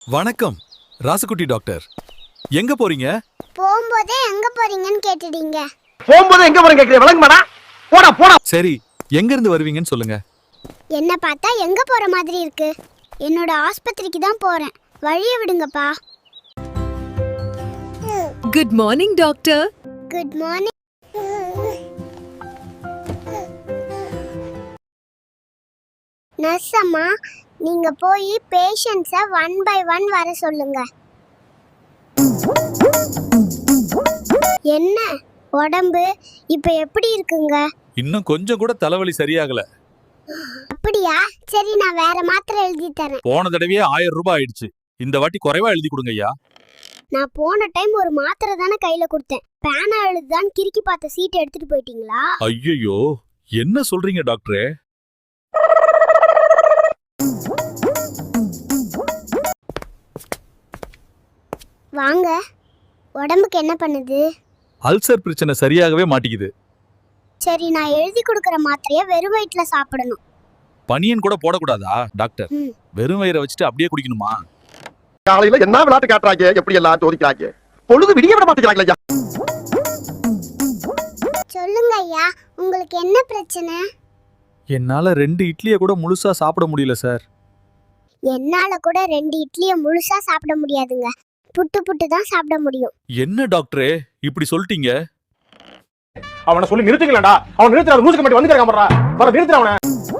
வணக்கம் ராசுகுட்டி டாக்டர். எங்க போறீங்க? போகும்போதே எங்க போறீங்கன்னு கேட்டுட்டீங்க. போகும்போது எங்க போறீங்க கேக்குறீங்க, விளங்குமாடா? போடா போடா. சரி, எங்க இருந்து வருவீங்கன்னு சொல்லுங்க. என்ன பார்த்தா எங்க போற மாதிரி இருக்கு? என்னோட ஆஸ்பத்திரிக்கு தான் போறேன், வழிய விடுங்கப்பா. Good morning doctor. Good morning. Nurse அம்மா, நீங்க போய் பேஷண்ட்ஸை 1 by 1 வர சொல்லுங்க. என்ன உடம்பு இப்ப எப்படி இருக்குங்க? இன்னும் கொஞ்சம் கூட தலைவலி சரியாகல. அப்படியா? சரி, நான் வேற மாத்திரை எழுதி தரேன். போன தடவையே 1000 ரூபாய் ஆயிடுச்சு. இந்த வாட்டி குறைவா எழுதி கொடுங்க ஐயா. நான் போன டைம் ஒரு மாத்திரை தானே கையில கொடுத்தேன். பேனா எழுதுதான் கிறுக்கி பார்த்த சீட் எடுத்துட்டு போயிட்டீங்களா? ஐயோ, என்ன சொல்றீங்க டாக்டரே? வாங்க. உடம்புக்கு என்ன பண்ணுது? அல்சர் பிரச்சனை சரியாகவே மாட்டேங்குது. சரி, நான் எழுதி கொடுக்கற மாத்திரையை வெறும் வயிற்றுல சாப்பிடணும். பனியன் கூட போடக்கூடாதா டாக்டர்? வெறும் வயிறை வச்சுட்டு அப்படியே குடிக்கணுமா? காலையில என்ன விளையாட்டு காட்டுறாங்க, எப்படி எல்லாம் சோதிக்கிறாங்க. பொழுது விடிய விட மாட்டேங்கிறாங்க ஐயா. சொல்லுங்க ஐயா, உங்களுக்கு என்ன பிரச்சனை? என்னால 2 இட்லியை கூட முழுசா சாப்பிட முடியல சார். என்னால கூட 2 இட்லியை முழுசா சாப்பிட முடியாதுங்க. புட்டு புட்டு தான் சாப்பிட முடியும். என்ன டாக்டரே இப்படி சொல்லிட்டீங்க? அவனை சொல்லி நிறுத்துங்களா? அவன் நிறுத்துறாரு, மூச்சுக்கு மட்டும் வந்து கேட்க வர நிறுத்துற அவனை.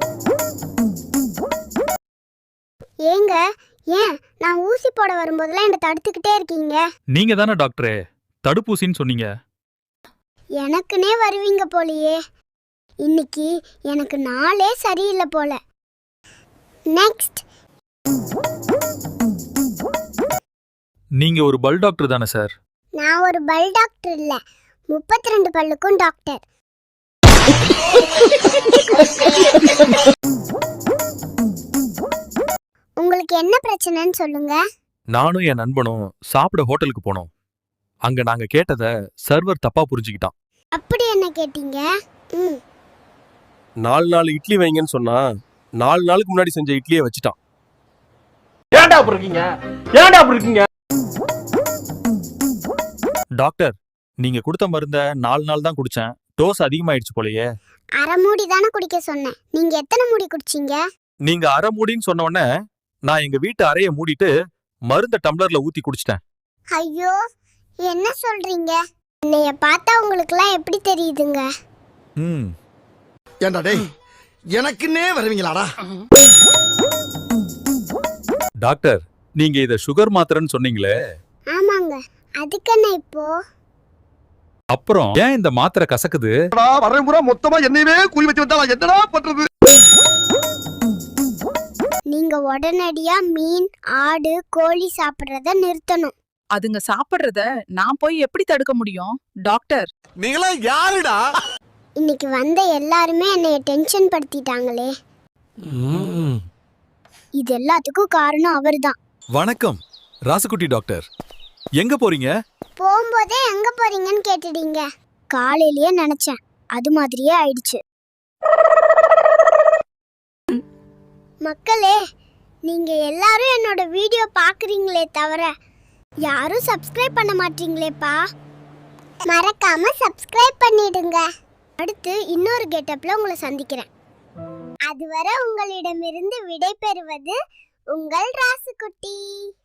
ஏங்க, ஏன் நான் ஊசி போட வரும்போதெல்லாம் என்ன தடுத்துக்கிட்டே இருக்கீங்க? நீங்க தானே டாக்டரே தடுப்பூசின்னு சொன்னீங்க. எனக்குனே வருவீங்க போலியே. இன்னைக்கு எனக்கு நாளே சரியில்லை போல. நெக்ஸ்ட். நீங்க ஒரு பல் டாக்டர் தானே சார்? நான் ஒரு பல் டாக்டர் இல்ல, 32 பல்லுக்கும் டாக்டர். உங்களுக்கு என்ன பிரச்சனைன்னு சொல்லுங்க. நானும் என் நண்பனும் சாப்பிட ஹோட்டலுக்கு போனோம். அங்க நாங்க கேட்டத சர்வர் தப்பா புரிஞ்சுக்கிட்டான். அப்படி என்ன கேட்டீங்க? 4 இட்லி வைங்கன்னு சொன்னா 4 நாளுக்கு முன்னாடி செஞ்ச இட்லியை வச்சுட்டான். ஏன்டா அப்படி இருக்கீங்க? ஏன்டா அப்படி இருக்கீங்க? டாக்டர், நீங்க கொடுத்த மருந்த 4 நாள் தான் குடிச்சேன். டோஸ் அதிகமாயிடுச்சு போலயே. அரை மூடி தானே குடிக்க சொன்னேன், நீங்க எத்தனை மூடி குடிச்சீங்க? நீங்க அரை மூடின்னு சொன்ன உடனே நான் எங்க வீட்டு அறைய மூடிட்டு மருந்த டம்ளர்ல ஊத்தி குடிச்சிட்டேன். ஐயோ, என்ன சொல்றீங்க? என்னைய பார்த்தா உங்களுக்குலாம் எப்படி தெரியுதுங்க? ஏண்டா டேய், எனக்குன்னே வருவீங்களாடா? டாக்டர், நீங்க இத சுகர் மாத்திரைன்னு சொன்னீங்களே. ஆமாங்க, அதுக்கு என்ன இப்போ? அப்புறம் ஏன் இந்த மாத்திரை கசக்குது? வரமுறை மொத்தமா என்னையவே குறி வச்சு வந்தா நான் என்னடா பண்றது? நீங்க உடனடியா மீன், ஆடு, கோழி சாப்பிடுறத நிறுத்தணும். அதுங்க சாப்பிடுறத நான் போய் எப்படி தடுக்க முடியும் டாக்டர்? நீங்களா யாருடா? இன்னைக்கு வந்த எல்லாருமே என்னைய டென்ஷன் படுத்திட்டாங்களே. இது எல்லாத்துக்கும் காரணம் அவர்தான். வணக்கம் ராசுகுட்டி டாக்டர். எங்க போறீங்க? போகும்போதே எங்க போறீங்கன்னு கேட்டுட்டீங்க. காலையிலேயே நினைச்சேன், அது மாதிரியே ஆயிடுச்சு. மக்களே, நீங்க எல்லாரும் என்னோட வீடியோ பாக்குறீங்களே தவிர யாரும் சப்ஸ்கிரைப் பண்ண மாட்டீங்களேப்பா. மறக்காம சப்ஸ்கிரைப் பண்ணிடுங்க. அடுத்து இன்னொரு கெட்டப்ல உங்களை சந்திக்கிறேன். அதுவரை உங்களிடமிருந்து விடை பெறுவது உங்கள் ராசுகுட்டி.